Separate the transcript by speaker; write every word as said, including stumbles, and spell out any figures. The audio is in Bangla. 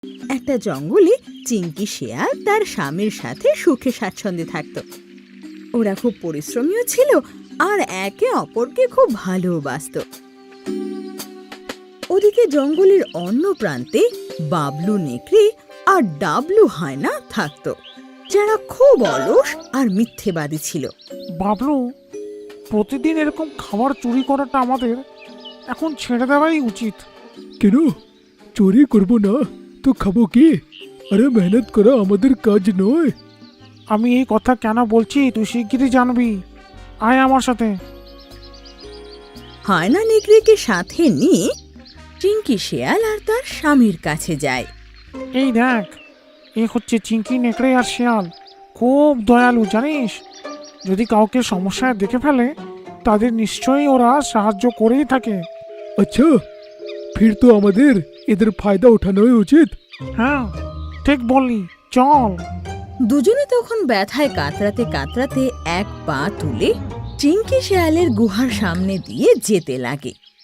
Speaker 1: একটা জঙ্গলে চিংকি শেয়াল তার স্বামীর সাথে সুখে স্বাচ্ছন্দ্যে থাকত। ওরা খুব পরিশ্রমীও ছিল আর একে অপরকে খুব ভালোবাসত। ওদিকে জঙ্গলের অন্য প্রান্তে বাবলু নেকড়ে আর ডাবলু হায়না থাকত, যারা খুব অলস আর মিথ্যেবাদী ছিল।
Speaker 2: বাবলু, প্রতিদিন এরকম খাবার চুরি করাটা আমাদের এখন ছেড়ে দেওয়াই উচিত।
Speaker 3: কেন চুরি করবো না তো খাবো কি? আরে মেহনত করা আমাদের কাজ নয়।
Speaker 2: আমি এই কথা কেন বলছি তুই শিগগিরই জানবি। আয় আমার সাথে।
Speaker 1: হায়না নেকড়েকে সাথে নিয়ে চিংকি শেয়াল আর তার স্বামীর কাছে যায়।
Speaker 2: এই দেখ, এ হচ্ছে চিংকি নেকড়ে আর শিয়াল। খুব দয়ালু জানিস। যদি কাউকে সমস্যায় দেখে ফেলে তাদের নিশ্চয়ই ওরা সাহায্য করেই থাকে।
Speaker 3: আচ্ছা, ফির তো আমাদের এদের ফায়দা ওঠানোই উচিত।
Speaker 2: হ্যাঁ, ঠিক বললি, চল।
Speaker 1: দুজনে তখন ব্যথায় কাতরাতে কাতরাতে এক পা তুলে চিংকি শেয়ালের গুহার সামনে দিয়ে যেতে লাগে।